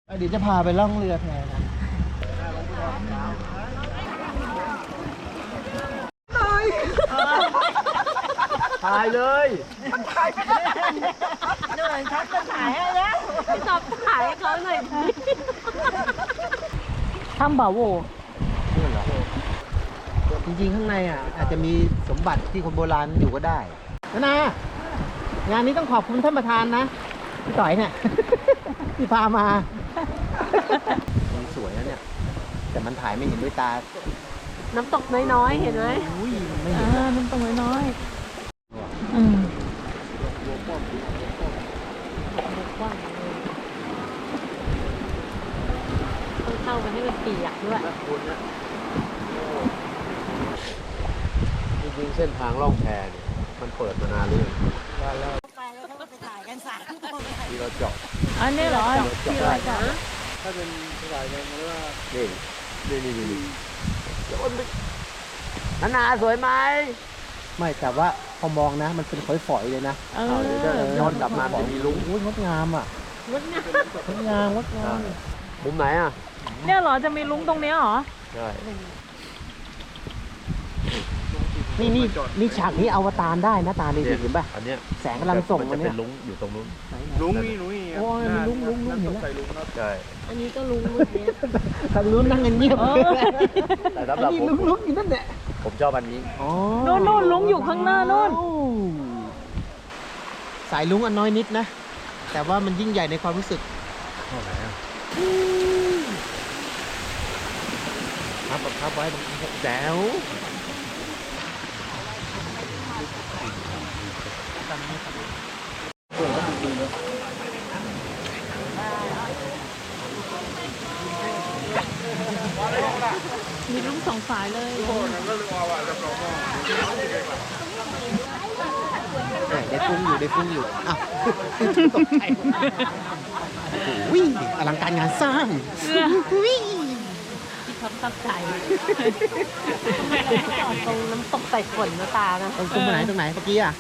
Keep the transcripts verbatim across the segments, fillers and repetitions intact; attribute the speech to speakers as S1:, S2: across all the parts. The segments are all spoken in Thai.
S1: เดี๋ยวจะพาไปล่องเรือแทนนะถ่ายเลยถ่ายไม่ได้เหนื่อยชัดจะถ่ายให้แล้วพี่ตอบถ่ายให้เขาหน่อยดิ
S2: ทำบ่าวโว
S1: จริงๆข้างในอ่ะอาจจะมีสมบัติที่คนโบราณอยู่ก็ได้นะนะงานนี้ต้องขอบคุณท่านประธานนะพี่ต่อยเนี่ยที่พามาสวยนะเนี่ยแต่มันถ่ายไม่เห็นด้วยตา
S2: น้ำตกน้อยๆเห็นไหม
S1: อุ้ยไม่เห็น
S2: น้ำตกน้อยๆอืมต้องเข้าไปให้มันเปียกด้วย
S3: จริงๆเส้นทางล่องแพเนี่ยมันเปิดมานานเลย
S2: ไปแล้วก็ไปถ่ายกันสามคน
S3: ที่เราเจาะ
S2: อันนี้เหรอที่เราเจาะ
S3: ถ้าเป็นสายแดงมันว่านี่นี่นี่นี่นานาสวยไหม
S1: ไม่แต่ว่าพอมองนะมันเป็นฝอยๆเลยนะ
S2: เออ
S3: ย้อนกลับมามันมีลุง
S1: อุ้ยงดงามอ่ะ
S2: งดงาม
S1: งดงามงดงาม
S3: มุมไหนอ่ะ
S2: เนี่ยเหรอจะมีลุงตรงนี้เหรอ
S3: ใช่
S1: นี่นี่นี่ฉากนี้อวตารได้นะตานี่เห็นป่ะ
S3: อันเนี้ย
S1: แสงกำลังส่ง
S3: มันจะเป็นลุงอยู่ตรงนู้น
S4: ลุงนี่ลุงนี่
S1: โอ้ยลุงลุงลุงเห็นแล้ว
S3: ใช่
S2: อันนี้ก็ลุงลุงเนี่ย
S1: ทางนู้นนั่งเงียบ
S3: แต่สำหรับผม
S1: ลุงลุงอยู่นั่นแหละ
S3: ผมชอบอันนี้
S2: โน่นโน่นลุงอยู่ข้างหน้าโน่น
S1: สายลุงอันน้อยนิดนะแต่ว่ามันยิ่งใหญ่ในความรู้สึก
S3: เท่าไหร่อ่ะ
S1: ครับครับไว้แจ๋ว
S2: มีลุงสองสายเลย
S1: ได้ฟุ้งอยู่ได้ฟุ้งอยู่อ้าวตกใจวิ่งอลังการงานสร้างวิ่ง
S2: ที่เขาตั้งใจจอดตรงน้ำตกใส่ฝนนะตานะ
S1: ตรงตรงไหนตรงไหนเมื่อกี้อ่ะ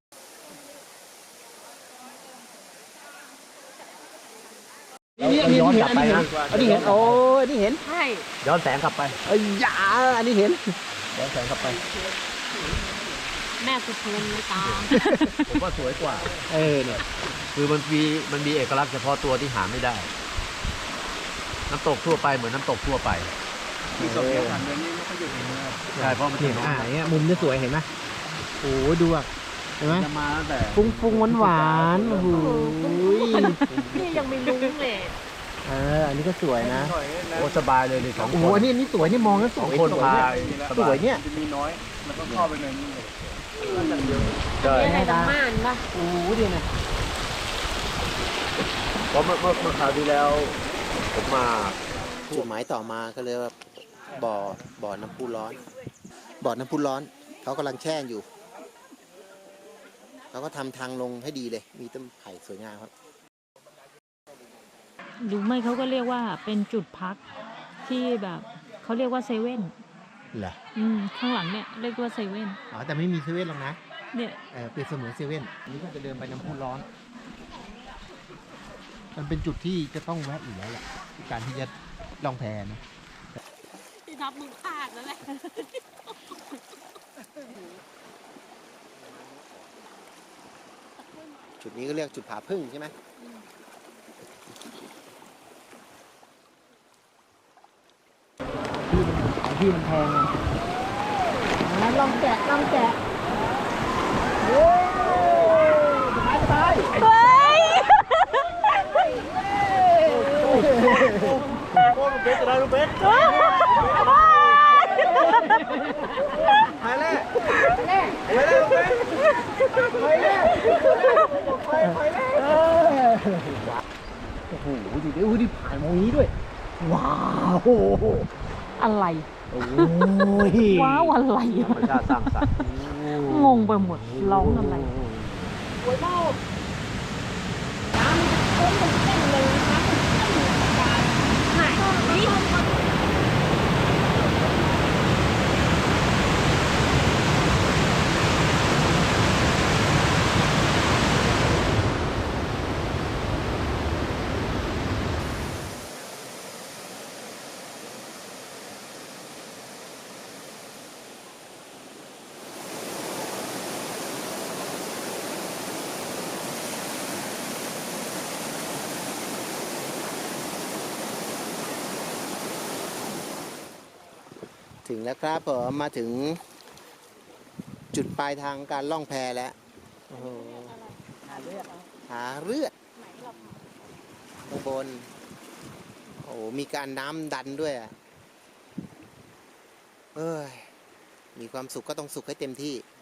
S1: นี่นี่ย้อนกลับไปนะอันนี้เห็นโอ้อันนี้เห็น
S2: ใช่
S3: ย้อนแสงกลับไป
S1: เอ้ยยาอันนี้เห็นย้อนแสงกลับไป
S2: แม่สุดเพลินเลยตา
S3: ผมว่าสวยกว่า
S1: เออเนี่ย
S3: คือมันมีมันมีเอกลักษณ์เฉพาะตัวที่หาไม่ได้น้ำตกทั่วไปเหมือนน้ำตกทั่วไป
S4: ที่สดเดียวกันเลยนี่ไม่ค่อยอยู่ในเมือง
S3: ใช่เพราะมัน
S1: เห็นอ่ะเนี่ยมุมนี้สวยเห็นไหมโอ้ดูอ่ะเห็นไหม
S4: จะมาตั้งแต่
S1: ฟุ้งฟุ้งหวานหวานโอ้โห
S2: นี่ยังไม่ลุงเลย
S1: เอออันนี้ก็สวยนะ
S3: โอ้สบายเลยเลยสองคน
S1: โอ้โหนี่นี่สวยนี่มองแล้วสวย
S3: คนพาย
S1: สวยเนี่ย
S4: จะมีน้อยมันต้องเข้าไปในนี้
S3: ใช่
S2: อะไรดำม่านป่ะ
S1: โอ้โหดีนะ
S3: เพราะเมื่อเมื่อคราวที่แล้วผมมา
S1: จุดหมายต่อมาก็เลยว่าบ่อบ่อน้ำพุร้อนบ่อน้ำพุร้อนเขากำลังแช่อยู่เขาก็ทำทางลงให้ดีเลยมีต้นไผ่สวยงามครับ
S2: หรือไม่เขาก็เรียกว่าเป็นจุดพักที่แบบเขาเรียกว่าเซเว่น
S1: เหรอ
S2: อืมข้างหลังเนี่ยเรียกว่าเซเว่น
S1: อ๋อแต่ไม่มีเซเว่นหรอกนะ
S2: เนี่ย
S1: เออเป็นเสมือนเซเว่นอันนี้ก็จะเดินไปน้ำพุร้อนมันเป็นจุดที่จะต้องแวะอยู่แล้วแหละการที่จะล่องแพนะ
S2: ที่ทับมือขาดแล้วแหละ
S1: จุดนี้ก็เรียกจุดผาพึ่งใช่ไหมที่มันแพงไงลองแกะลองแกะโอ้ยสบายสบาย
S2: เฮ้ย
S1: โอ้ลูกเบสอะไรลูกเบสไปเลยไปเลยลูกเบสไปเลยไปไปเลยโอ้โหดิเดี๋ยวดิผ่านมองนี้ด้วยว้าว
S2: อะไร
S1: โอ้ย
S2: ว้าวอะไร
S3: ธรรมชาติสร้างสรรค์
S2: งงไปหมดร้องอะไรสวยมากน้ำต้นมันเต้นเลยนะคะไหนนี่
S1: ถึงแล้วครับผมมาถึงจุดปลายทางการล่องแพแล้วโอ้โห
S2: หาเลือด
S1: หาเลือด
S2: ไหนหรอ
S1: ข้างบนโอ้โหมีการน้ำดันด้วยอ่ะเอ้ยมีความสุขก็ต้องสุขให้เต็มที่